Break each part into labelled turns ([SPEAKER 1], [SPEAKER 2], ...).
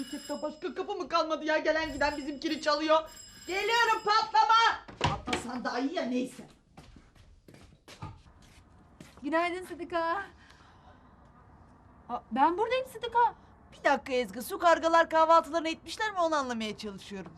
[SPEAKER 1] memlekette başka kapı mı kalmadı ya? Gelen giden bizimkini çalıyor. Geliyorum, patlama. Patlasan daha iyi ya, neyse.
[SPEAKER 2] Günaydın Sıdıka. Ben buradayım Sıdıka.
[SPEAKER 1] Bir dakika Ezgi, su kargalar kahvaltılarını etmişler mi onu anlamaya çalışıyorum.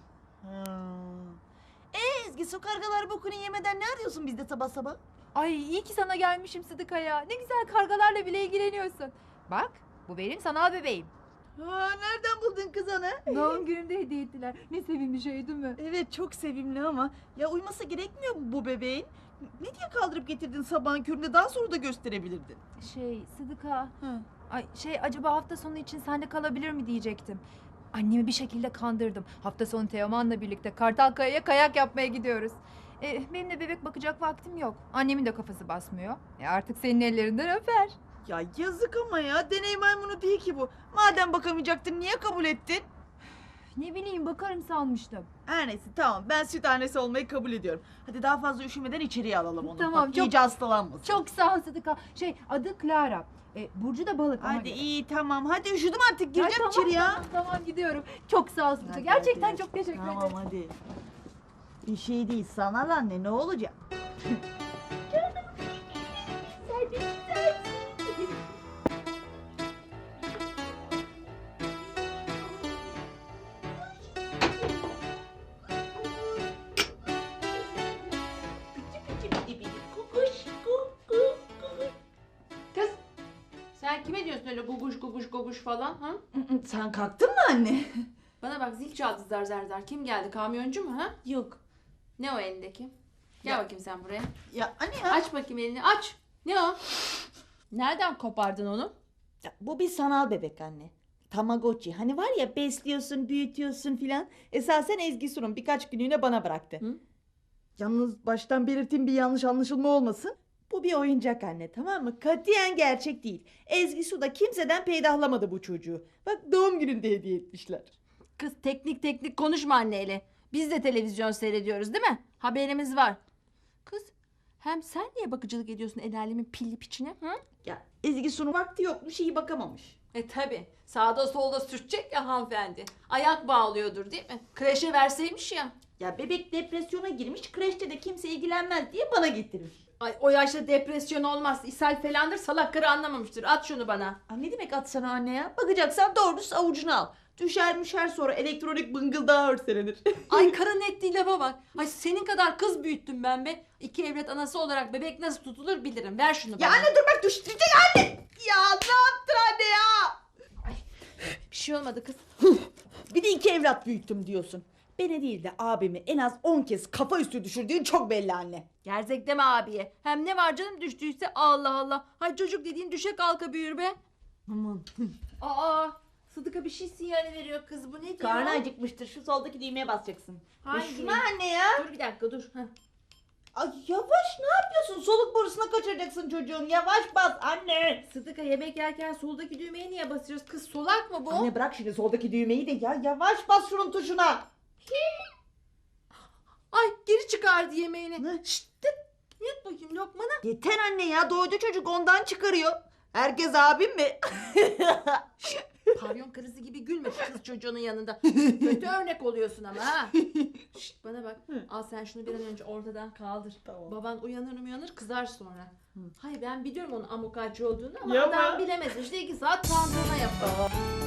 [SPEAKER 1] Ezgi, su kargalar bokunu yemeden ne arıyorsun bizde sabah sabah?
[SPEAKER 2] Ay iyi ki sana gelmişim Sıdıka ya. Ne güzel kargalarla bile ilgileniyorsun. Bak bu benim sanal bebeğim.
[SPEAKER 1] Nereden buldun kız onu?
[SPEAKER 2] Doğum günümde hediye ettiler. Ne sevimli şey değil mi?
[SPEAKER 1] Evet, çok sevimli ama ya uyuması gerekmiyor mu bu bebeğin? Ne diye kaldırıp getirdin sabahın köründe, daha sonra da gösterebilirdin.
[SPEAKER 2] Sıdıka.
[SPEAKER 1] Hı.
[SPEAKER 2] Ay acaba hafta sonu için sende kalabilir mi diyecektim. Annemi bir şekilde kandırdım. Hafta sonu Teoman'la birlikte Kartalkaya'ya kayak yapmaya gidiyoruz. Benim de bebek bakacak vaktim yok. Annemin de kafası basmıyor. Artık senin ellerinden öper.
[SPEAKER 1] Ya yazık ama ya, deney maymunu değil ki bu. Madem bakamayacaktın niye kabul ettin?
[SPEAKER 2] Ne bileyim bakarım sanmıştım.
[SPEAKER 1] Her neyse, tamam, ben süt annesi olmayı kabul ediyorum. Hadi daha fazla üşümeden içeriye alalım onu.
[SPEAKER 2] Tamam,
[SPEAKER 1] Bak,
[SPEAKER 2] çok-
[SPEAKER 1] iyice hastalanmasın.
[SPEAKER 2] Çok sağ ol Sıdıka. Adı Clara. Burcu da balık. ona
[SPEAKER 1] Hadi
[SPEAKER 2] göre.
[SPEAKER 1] iyi, tamam, hadi üşüdüm artık,
[SPEAKER 2] Ay,
[SPEAKER 1] gireceğim
[SPEAKER 2] tamam,
[SPEAKER 1] içeri ya.
[SPEAKER 2] Tamam gidiyorum. Çok sağ ol Sıdıka.
[SPEAKER 1] Hadi,
[SPEAKER 2] Gerçekten
[SPEAKER 1] hadi.
[SPEAKER 2] çok teşekkür
[SPEAKER 1] Tamam
[SPEAKER 2] ederim.
[SPEAKER 1] hadi. Bir şey değil, sana anne, ne olacak?
[SPEAKER 3] Kız, sen kime diyorsun öyle guguş guguş guguş falan ha?
[SPEAKER 1] Sen kalktın mı anne?
[SPEAKER 3] Bana bak, zil çaldı zar zar zar. Kim geldi? Kamyoncu mu ha?
[SPEAKER 1] Yok.
[SPEAKER 3] Ne o elindeki? Gel
[SPEAKER 1] Ya-
[SPEAKER 3] bakayım sen buraya.
[SPEAKER 1] Ya anne ya.
[SPEAKER 3] Aç bakayım elini, aç. Ne o? Nereden kopardın onu?
[SPEAKER 1] Ya, bu bir sanal bebek anne. Tamagotchi. Hani var ya, besliyorsun, büyütüyorsun filan. Esasen Ezgi Sun'un birkaç günlüğüne bana bıraktı.
[SPEAKER 3] Hı?
[SPEAKER 1] Yalnız baştan belirteyim, bir yanlış anlaşılma olmasın. Bu bir oyuncak anne, tamam mı? Katiyen gerçek değil. Ezgi Su da kimseden peydahlamadı bu çocuğu. Bak, doğum gününde hediye etmişler.
[SPEAKER 3] Kız teknik konuşma anneyle. Biz de televizyon seyrediyoruz değil mi? Haberimiz var. Kız, hem sen niye bakıcılık ediyorsun el alemin pilli piçine? Hı?
[SPEAKER 1] Ya Ezgi Su'nun vakti yokmuş, iyi bakamamış.
[SPEAKER 3] Tabi. Sağda solda sürtecek ya hanımefendi. Ayak bağlıyordur değil mi? Kreşe verseymiş ya.
[SPEAKER 1] Ya bebek depresyona girmiş, kreşte de kimse ilgilenmez diye bana getirmiş.
[SPEAKER 3] Ay o yaşta depresyon olmaz. İshal falandır, salak karı anlamamıştır. At şunu bana.
[SPEAKER 1] Ne demek atsana anne ya? Bakacaksan doğrusu avucuna al. Düşer sonra elektronik bıngıldağı örselenir.
[SPEAKER 3] Ay karın ettiği lafa bak. Ay senin kadar kız büyüttüm ben be. 2 evlat anası olarak bebek nasıl tutulur bilirim. Ver şunu bana.
[SPEAKER 1] Ya anne dur bak, düştürecek anne. Ya ne yaptın anne ya?
[SPEAKER 3] Bir şey olmadı kız.
[SPEAKER 1] Bir de 2 evlat büyüttüm diyorsun. Beni değil de abimi en az 10 kez kafa üstü düşürdüğün çok belli anne.
[SPEAKER 3] Gerzek deme abiye. Hem ne var canım düştüyse, Allah Allah. Hay çocuk dediğin düşe kalka büyür be.
[SPEAKER 1] Aman.
[SPEAKER 3] Aa, Sıdıka bir şey sinyali veriyor kız. Bu ne diyor?
[SPEAKER 1] Karnı acıkmıştır, şu soldaki düğmeye basacaksın.
[SPEAKER 3] Hangi?
[SPEAKER 1] Şuna anne ya.
[SPEAKER 3] Dur bir dakika dur. Heh.
[SPEAKER 1] Ay yavaş, ne yapıyorsun? Soluk borusuna kaçıracaksın çocuğun. Yavaş bas anne.
[SPEAKER 3] Sıdıka yemek yerken soldaki düğmeye niye basıyoruz? Kız solak mı bu?
[SPEAKER 1] Anne bırak şimdi soldaki düğmeyi de ya. Yavaş bas şunun tuşuna.
[SPEAKER 3] Ay geri çıkardı yemeğini.
[SPEAKER 1] Ne?
[SPEAKER 3] Şşt, yut bakayım lokmanı.
[SPEAKER 1] Yeter anne ya, doydu çocuk, ondan çıkarıyor. Herkes abim mi?
[SPEAKER 3] Pavyon karısı gibi gülme şu kız çocuğunun yanında. Kötü örnek oluyorsun ama ha. Şşt, bana bak. Al sen şunu bir an önce ortadan kaldır.
[SPEAKER 1] Tamam.
[SPEAKER 3] Baban uyanır kızar sonra. Hayır ben biliyorum onun amokacı olduğunu ama
[SPEAKER 1] Yapma.
[SPEAKER 3] adam bilemez. İşte 2 saat tantana yapar.